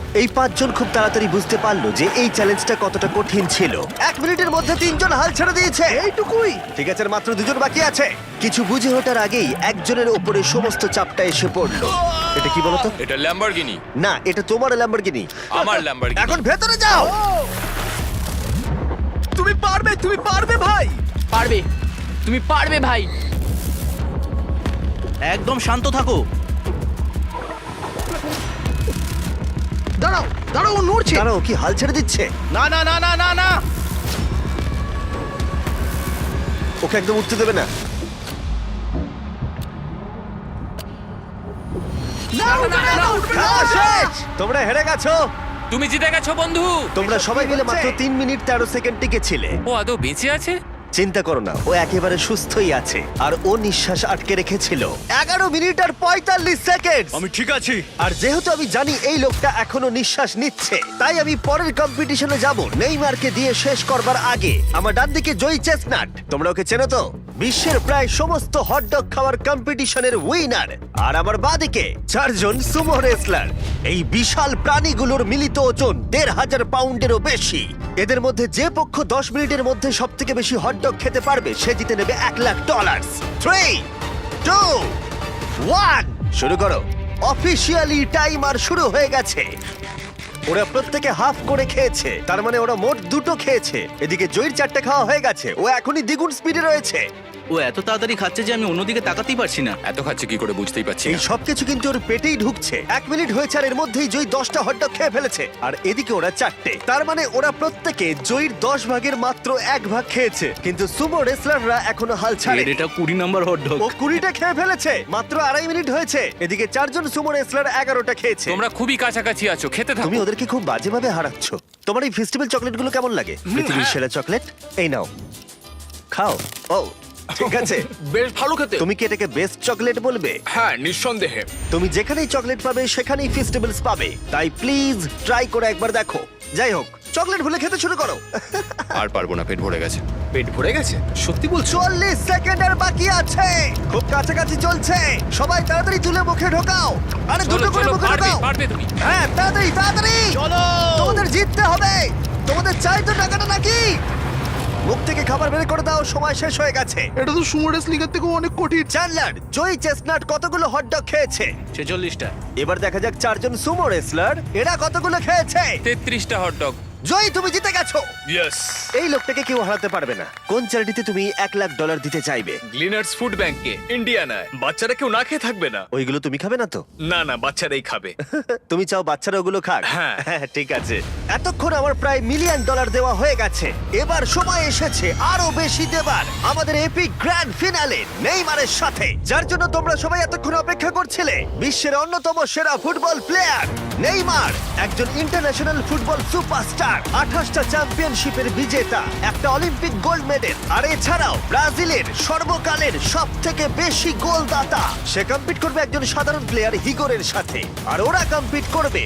[SPEAKER 1] এই পাঁচজন খুব তাড়াতাড়ি বুঝতে পারলো যে এই চ্যালেঞ্জটা কতটা কঠিন ছিল। 1 মিনিটের মধ্যে 3 জন হাল ছেড়ে দিয়েছে।
[SPEAKER 6] এইটুকুই।
[SPEAKER 1] ঠিক আছে, আর মাত্র 2 জন বাকি আছে। কিছু বুঝে ওঠার আগেই একজনের উপরে সমস্ত চাপটা এসে পড়লো। এটা কি বলতো?
[SPEAKER 4] এটা ল্যাম্বরগিনি।
[SPEAKER 1] না, এটা তোমার ল্যাম্বরগিনি।
[SPEAKER 4] আমার ল্যাম্বরগিনি।
[SPEAKER 1] এখন ভেতরে যাও।
[SPEAKER 9] তুমি পারবে ভাই।
[SPEAKER 2] পারবে, তুমি পারবে ভাই।
[SPEAKER 5] একদম শান্ত থাকো।
[SPEAKER 6] দাঁড়াও দাঁড়াও, ও নড়ছে।
[SPEAKER 1] দাঁড়াও, কি হাল ছেড়ে দিচ্ছে?
[SPEAKER 5] না না না না না না।
[SPEAKER 1] ওকে একদম উঠতে দেবে না। খেলা শেষ। তোমরা হেরে গেছো।
[SPEAKER 4] তুমি জিতে গেছো বন্ধু।
[SPEAKER 1] তোমরা সবাই মিলে মাত্র 3 মিনিট 13 সেকেন্ড টিকেছিলে।
[SPEAKER 4] ও আদৌ বেঁচে আছে?
[SPEAKER 1] চিন্তা করো না, ও একেবারে সুস্থই আছে। আর ও নিঃশ্বাস আটকে রেখেছিল 11 মিনিট আর 45 সেকেন্ড।
[SPEAKER 8] আমি ঠিক আছি।
[SPEAKER 1] আর যেহেতু আমি জানি এই লোকটা এখনো নিঃশ্বাস নিচ্ছে, তাই আমি পরের কম্পিটিশনে যাব নেইমারকে দিয়ে শেষ করবার আগে। আমার ডান দিকে জয়ী চেস্টনাট, তোমরা ওকে চেনো তো? বিশ্বের প্রায় সমস্ত হটডগ খাওয়ার কম্পিটিশনের উইনার। আর আমার বাঁদিকে 4 জন সুমো রেসলার। এই বিশাল প্রাণীগুলোর মিলিত ওজন 1,500 পাউন্ডেরও বেশি। এদের মধ্যে যে পক্ষ 10 মিনিটের মধ্যে সব থেকে বেশি হটডগ খেতে পারবে সে জিতে নেবে $1,00,000। 3, 2, 1, শুরু করো। অফিসিয়ালি টাইমার শুরু হয়ে গেছে। ওরা প্রত্যেকে হাফ করে খেয়েছে, তার মানে ওরা মোট 2টো খেয়েছে। এদিকে জয়ীর 4টে খাওয়া হয়ে গেছে, ও এখনই দ্বিগুণ স্পিডে রয়েছে।
[SPEAKER 5] ও এত তাড়াতাড়ি খাচ্ছে যে আমি অন্যদিকে তাকাতেই পারছি না।
[SPEAKER 4] এত খাচ্ছে কি করে বুঝতেই পারছি
[SPEAKER 1] এই
[SPEAKER 4] না।
[SPEAKER 1] সবকিছু কিন্তু ওর পেটেই ঢুকছে। 1 মিনিট হয়েছে আর এর মধ্যেই জয়ী 10টা হটডগ খেয়ে ফেলেছে, আর এদিকে ওরা 4টে। তার মানে ওরা প্রত্যেকে জয়ীর 10 ভাগের মাত্র 1 ভাগ খেয়েছে। কিন্তু সুমো রেসলাররা এখনো হাল ছাড়ে।
[SPEAKER 5] এটা 20 নাম্বার হটডগ।
[SPEAKER 1] ও 20টা খেয়ে ফেলেছে, মাত্র 2.5 মিনিট হয়েছে। এদিকে 4 জন সুমো রেসলার 11টা খেয়েছে।
[SPEAKER 4] তোমরা খুবই কাছাকাছি আছো, খেতে থাকো।
[SPEAKER 1] তুমি ওদেরকে খুব বাজেভাবে হারাচ্ছ। তোমার এই ফেস্টিভ্যাল চকলেটগুলো কেমন লাগে? পৃথিবীর সেরা চকলেট। এই নাও, খাও। ও ঠিক আছে।
[SPEAKER 9] বেশ ভালো খেতে।
[SPEAKER 1] তুমি কি এটাকে বেস্ট চকলেট বলবে?
[SPEAKER 9] হ্যাঁ, নিঃসন্দেহে।
[SPEAKER 1] তুমি যেখানেই চকলেট পাবে সেখানেই ফেস্টিভ্যালস পাবে, তাই প্লিজ ট্রাই করে একবার দেখো। যাই হোক, চকলেট ভুলে খেতে শুরু করো।
[SPEAKER 4] আর পারবো না, পেট ভরে গেছে।
[SPEAKER 9] পেট ভরে গেছে? সত্যি বলছো?
[SPEAKER 1] 40 সেকেন্ড আর বাকি আছে। খুব কাছাকাছি চলছে। সবাই তাড়াতাড়ি তুলে মুখে ঢোকাও। আরে
[SPEAKER 4] চলো
[SPEAKER 1] দুটো করে
[SPEAKER 4] চলো,
[SPEAKER 1] মুখে
[SPEAKER 4] পারবে
[SPEAKER 1] ঢোকাও।
[SPEAKER 4] পারবে তুমি।
[SPEAKER 1] হ্যাঁ, তাড়াতাড়ি তাড়াতাড়ি
[SPEAKER 5] চলো।
[SPEAKER 1] তোমাদের জিততে হবে। তোমাদের চাই তো টাকাটা নাকি? মুখ থেকে খাবার বের করে দাও, সময় শেষ হয়ে গেছে।
[SPEAKER 6] এটা তো সুমো রেসলিং এর থেকেও অনেক কঠিন।
[SPEAKER 1] চ্যান্ডলার, জয়ী চেস্টনাট কতগুলো হটডগ খেয়েছে?
[SPEAKER 5] 46টা।
[SPEAKER 1] এবার দেখা যাক 4 জন সুমো রেসলার এরা কতগুলো খেয়েছে।
[SPEAKER 4] 33টা হটডগ।
[SPEAKER 1] জয়ী, তুমি জিতে গেছো।
[SPEAKER 9] ইয়েস।
[SPEAKER 1] এই লোকটাকে কেউ হারাতে পারবে না। কোন চ্যারিটিতে তুমি $1,00,000 দিতে চাইবে?
[SPEAKER 9] গ্লিনার্স ফুড ব্যাংকে, ইন্ডিয়ানায়। বাচ্চারা কেউ না খেয়ে থাকবে না।
[SPEAKER 1] ওইগুলো তুমি খাবে না তো?
[SPEAKER 9] না না, বাচ্চারাই খাবে।
[SPEAKER 1] তুমি চাও বাচ্চারা ওগুলো খাক?
[SPEAKER 9] হ্যাঁ।
[SPEAKER 1] ঠিক আছে। এতক্ষণ আমার প্রায় $1 মিলিয়ন দেওয়া হয়ে গেছে। এবার সময় এসেছে আরো বেশি দেবার। আমাদের এপিক গ্র্যান্ড ফিনালে নেইমারের সাথে, যার জন্য তোমরা সবাই এতক্ষণ অপেক্ষা করছিলে। বিশ্বের অন্যতম সেরা ফুটবল প্লেয়ার নেইমার, একজন ইন্টারন্যাশনাল ফুটবল সুপারস্টার, 28টা চ্যাম্পিয়নশিপের বিজেতা, একটা অলিম্পিক গোল্ড মেডেল, আর এছাড়াও ব্রাজিলের সর্বকালের সবথেকে বেশি গোলদাতা। সে কম্পিট করবে একজন সাধারণ প্লেয়ার হিগোরের সাথে, আর ওরা কম্পিট করবে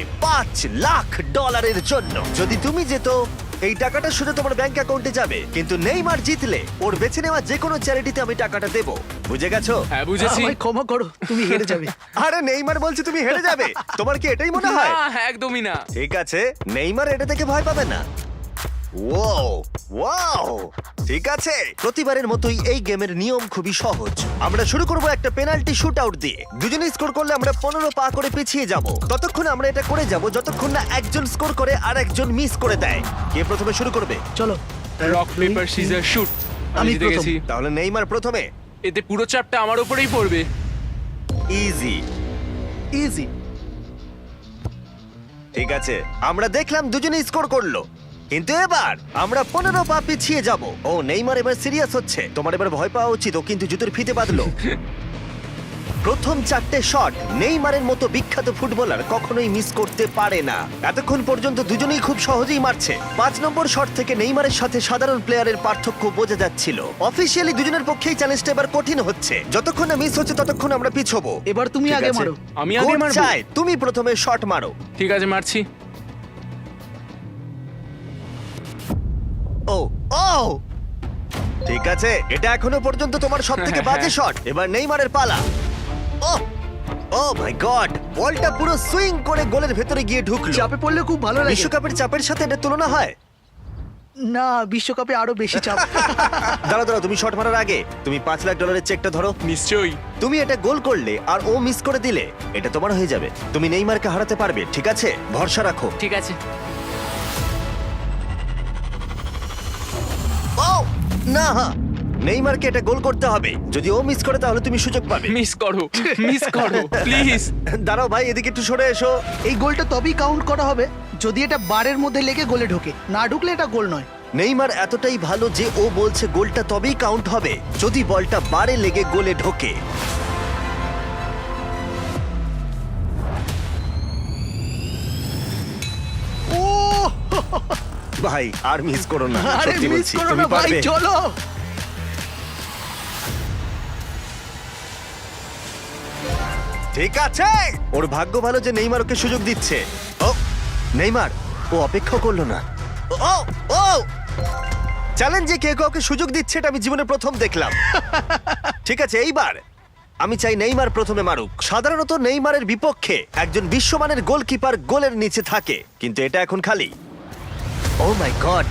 [SPEAKER 1] $5,00,000 জন্য। যদি তুমি যেত, এই টাকাটা শুধু তোমার ব্যাংক অ্যাকাউন্টে যাবে, কিন্তু নেইমার জিতলে ওর বেছে নেওয়া যে কোনো চ্যারিটিতে আমি টাকাটা দেবো। বুঝে গেছো?
[SPEAKER 2] হ্যাঁ, বুঝেছি।
[SPEAKER 6] আমায় ক্ষমা করো, তুমি হেরে যাবে।
[SPEAKER 1] আরে নেইমার বলছে তুমি হেরে যাবে। তোমার কি এটাই মনে হয়?
[SPEAKER 2] না, একদমই না।
[SPEAKER 1] ঠিক আছে, নেইমার এটা থেকে ভয় পাবে না। ওয়াও ওয়াও, ঠিক আছে। প্রতিবারের মতোই এই গেমের নিয়ম খুবই সহজ। আমরা শুরু করব একটা পেনাল্টি শুট আউট দিয়ে। দুজনে স্কোর করলে আমরা 15 পা করে পিছিয়ে যাব। ততক্ষণ আমরা এটা করে যাব যতক্ষণ না একজন স্কোর করে আর একজন মিস করে দেয়। কে প্রথমে শুরু করবে?
[SPEAKER 6] চলো।
[SPEAKER 2] Rock paper scissor shoot. আমি
[SPEAKER 6] আমি
[SPEAKER 2] জিতে
[SPEAKER 6] প্রথম।
[SPEAKER 2] গেছি।
[SPEAKER 1] তাহলে নেইমার প্রথমে।
[SPEAKER 2] এতে পুরো চাপটা আমার উপরেই পড়বে।
[SPEAKER 1] ইজি।
[SPEAKER 6] ইজি।
[SPEAKER 1] ঠিক আছে, আমরা দেখলাম দুজনে স্কোর করলো, কিন্তু এবার আমরা 15 পা পিছিয়ে যাব। ও নেইমার এবার সিরিয়াস হচ্ছে। তোমার এবার ভয় পাওয়া উচিত, ও কিন্তু জুতোর ফিতে বাঁধলো। প্রথম 4টে শট নেইমারের মতো বিখ্যাত ফুটবলার কখনোই মিস করতে পারে না। এতক্ষণ পর্যন্ত দুজনেই খুব সহজেই মারছে। 5 নম্বর শট থেকে নেইমারের সাথে সাধারণ প্লেয়ারের পার্থক্য বোঝা যাচ্ছিল। অফিসিয়ালি দুজনের পক্ষেই চ্যালেঞ্জটা এবার কঠিন হচ্ছে। যতক্ষণ না মিস হচ্ছে ততক্ষণ আমরা পিছবো।
[SPEAKER 6] এবার তুমি
[SPEAKER 1] ঠিক
[SPEAKER 6] আগে
[SPEAKER 1] আছে?
[SPEAKER 6] মারো।
[SPEAKER 2] আমি আগে
[SPEAKER 1] Coach
[SPEAKER 2] মারবো?
[SPEAKER 1] চায় তুমি প্রথমে শট মারো।
[SPEAKER 2] ঠিক আছে, মারছি।
[SPEAKER 1] ও ও, ঠিক আছে, এটা এখনো পর্যন্ত তোমার সবথেকে বাজে শট। এবার নেইমারের পালা। ও ও মাই গড, বলটা পুরো সুইং করে গোলের ভেতরে গিয়ে ঢুকলো।
[SPEAKER 6] চাপে পড়লে খুব ভালো লাগে।
[SPEAKER 1] বিশ্বকাপের চাপের সাথে এটা তুলনা হয়?
[SPEAKER 6] না, বিশ্বকাপে আরো বেশি চাপ।
[SPEAKER 1] দাঁড়াও, তুমি শট মারার আগে তুমি $5 লাখ চেকটা ধরো।
[SPEAKER 9] নিশ্চয়ই।
[SPEAKER 1] তুমি এটা গোল করলে আর ও মিস করে দিলে এটা তোমার হয়ে যাবে। তুমি নেইমারকে হারাতে পারবে, ঠিক আছে? ভরসা রাখো।
[SPEAKER 2] ঠিক আছে।
[SPEAKER 1] ও না, নেইমারকে এটা গোল করতে হবে। যদি ও মিস করে তাহলে তুমি সুযোগ পাবে।
[SPEAKER 2] মিস করো, মিস করো প্লিজ।
[SPEAKER 1] দাঁড়াও ভাই, এদিকে একটু সরে এসো।
[SPEAKER 6] এই গোলটা তবেই কাউন্ট করা হবে যদি এটা বারের মধ্যে লেগে গোলে ঢোকে। না ঢুকলে এটা গোল নয়।
[SPEAKER 1] নেইমার এতটাই ভালো যে ও বলছে গোলটা তবেই কাউন্ট হবে যদি বলটা বারে লেগে গোলে ঢোকে। ও ভাই, আর মিস করো না,
[SPEAKER 6] আরে
[SPEAKER 1] সত্যি
[SPEAKER 6] মিস
[SPEAKER 1] বলছি,
[SPEAKER 6] করো
[SPEAKER 1] তুমি
[SPEAKER 6] না ভাই,
[SPEAKER 1] পারবে।
[SPEAKER 6] চলো।
[SPEAKER 1] ঠিক আছে, ওর ভাগ্য ভালো যে নেইমার ওকে সুযোগ দিচ্ছে। ও নেইমার, ও অপেক্ষা করলো না। ও ও চ্যালেঞ্জে কে কাউকে সুযোগ দিচ্ছে এটা আমি জীবনে প্রথম দেখলাম। ঠিক আছে, এইবার আমি চাই নেইমার প্রথমে মারুক। সাধারণত নেইমারের বিপক্ষে একজন বিশ্বমানের গোলকিপার গোলের নিচে থাকে, কিন্তু এটা এখন খালি। ও মাই গড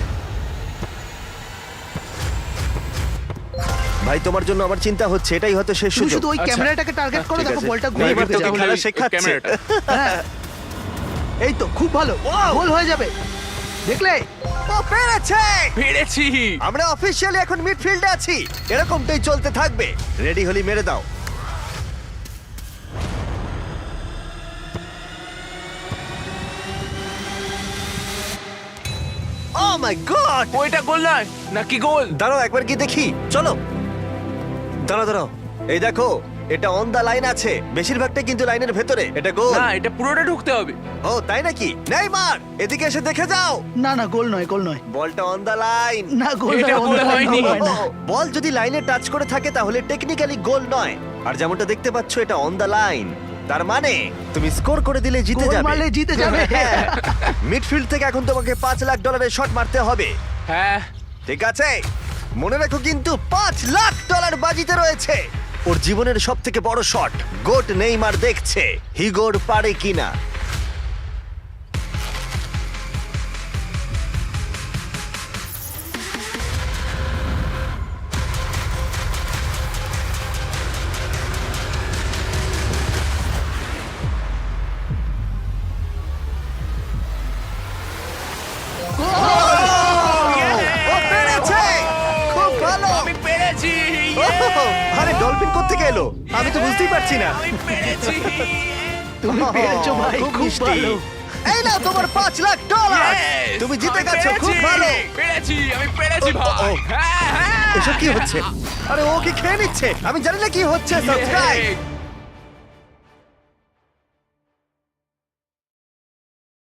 [SPEAKER 1] ভাই, তোমার জন্য আমার চিন্তা হচ্ছে, এটাই হয়তো শেষ
[SPEAKER 6] তুমি
[SPEAKER 1] সুযোগ।
[SPEAKER 6] শুধু ওই ক্যামেরাটাকে টার্গেট করো,
[SPEAKER 1] ঠিক
[SPEAKER 6] দেখো
[SPEAKER 1] আছে।
[SPEAKER 6] বলটা গোলে
[SPEAKER 1] নেইমার
[SPEAKER 6] ঢুকে
[SPEAKER 1] তোকে
[SPEAKER 6] যাবে।
[SPEAKER 1] খেলা শেখাচ্ছে।
[SPEAKER 4] ক্যামেরাটা।
[SPEAKER 6] হ্যাঁ। এই তো খুব ভালো, গোল হয়ে যাবে, দেখলে?
[SPEAKER 1] ও পেরেছে!
[SPEAKER 2] পেরেছি।
[SPEAKER 1] আমরা অফিসিয়ালি এখন মিডফিল্ডে আছি। এরকমটাই চলতে থাকবে। রেডি হলি মেরে দাও। Oh my god!
[SPEAKER 2] ওইটা গোল নয় নাকি গোল?
[SPEAKER 1] দাঁড়াও একবার কি দেখি, চলো। দাঁড়াও, এই দেখো, এটা অন দা লাইন আছে। বেশিরভাগটা কিন্তু লাইনের ভেতরে। এটা গোল।
[SPEAKER 2] না, এটা পুরোটা ঢুকতে হবে।
[SPEAKER 1] ও তাই নাকি? নেইমার, এদিকে এসে দেখে যাও।
[SPEAKER 6] না না, গোল নয়, গোল নয়।
[SPEAKER 1] বলটা অন দা লাইন।
[SPEAKER 6] না, গোল
[SPEAKER 2] এটা
[SPEAKER 6] নয়,
[SPEAKER 2] গোল
[SPEAKER 6] অন্য
[SPEAKER 2] হয়নি।
[SPEAKER 6] গোল হয় না।
[SPEAKER 1] বল যদি লাইনে টাচ করে থাকে তাহলে টেকনিক্যালি গোল নয়। আর যেমনটা দেখতে পাচ্ছ, এটা অন দা লাইন। তার মানে তুমি স্কোর করে দিলে জিতে
[SPEAKER 6] গোল
[SPEAKER 1] যাবে।
[SPEAKER 6] মারলে জিতে যাবে।
[SPEAKER 1] মিডফিল্ড থেকে এখন তোমাকে $5 লাখ শট মারতে হবে।
[SPEAKER 2] হ্যাঁ।
[SPEAKER 1] ঠিক আছে, মনে রাখো কিন্তু $5 লাখ বাজিতে রয়েছে। ওর জীবনের সব থেকে বড় শট। গোট নেইমার দেখছে হিগোর পারে কিনা। ও পেরেছে! খুব ভালো!
[SPEAKER 2] আমি পেরেছি।
[SPEAKER 1] ওহ, আরে ডলফিন কোত্থেকে এলো? আমি তো বুঝতেই পারছি না।
[SPEAKER 2] আমি পেরেছি।
[SPEAKER 6] তুমি পেরেছো ভাই, খুব
[SPEAKER 1] মিষ্টি।
[SPEAKER 6] ভালো।
[SPEAKER 1] এই নাও তোমার $5 লাখ।
[SPEAKER 2] Yes!
[SPEAKER 1] তুমি জিতে
[SPEAKER 2] আমি
[SPEAKER 1] গেছো, খুব
[SPEAKER 2] পেরেছি।
[SPEAKER 1] ভালো।
[SPEAKER 2] পেরেছি, আমি পেরেছি
[SPEAKER 1] ও, ও,
[SPEAKER 2] ভাই।
[SPEAKER 1] ও।
[SPEAKER 2] হ্যাঁ, হ্যাঁ।
[SPEAKER 1] এসব কি হচ্ছে? আরে ও কি খেয়ে নিচ্ছে? আমি জানি না কি হচ্ছে। সাবস্ক্রাইব।